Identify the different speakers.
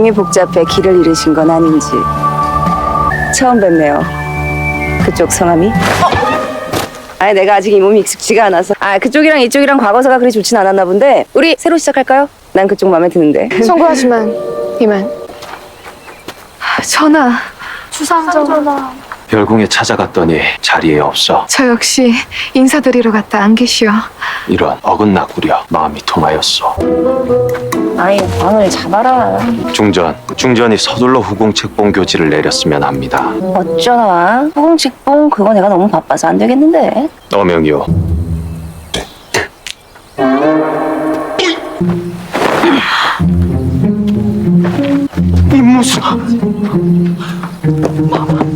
Speaker 1: 내용이 복잡해 길을 잃으신 건 아닌지. 처음 뵙네요. 그쪽 성함이? 아니 내가 아직 이 몸이 익숙지가 않아서. 그쪽이랑 이쪽이랑 과거사가 그리 좋진 않았나 본데 우리 새로 시작할까요? 난 그쪽 마음에 드는데.
Speaker 2: 송구하지만 이만 전하 주상전하
Speaker 3: 별궁에 찾아갔더니 자리에 없어.
Speaker 2: 저 역시 인사드리러 갔다 안 계시오.
Speaker 3: 이런 어긋나구려 마음이 통하였소.
Speaker 1: 아이 방을 잡아라.
Speaker 3: 중전이 서둘러 후궁책봉 교지를 내렸으면 합니다.
Speaker 1: 어쩌나 후궁직봉 그거 내가 너무 바빠서 안 되겠는데.
Speaker 3: 어명이요. 이 무슨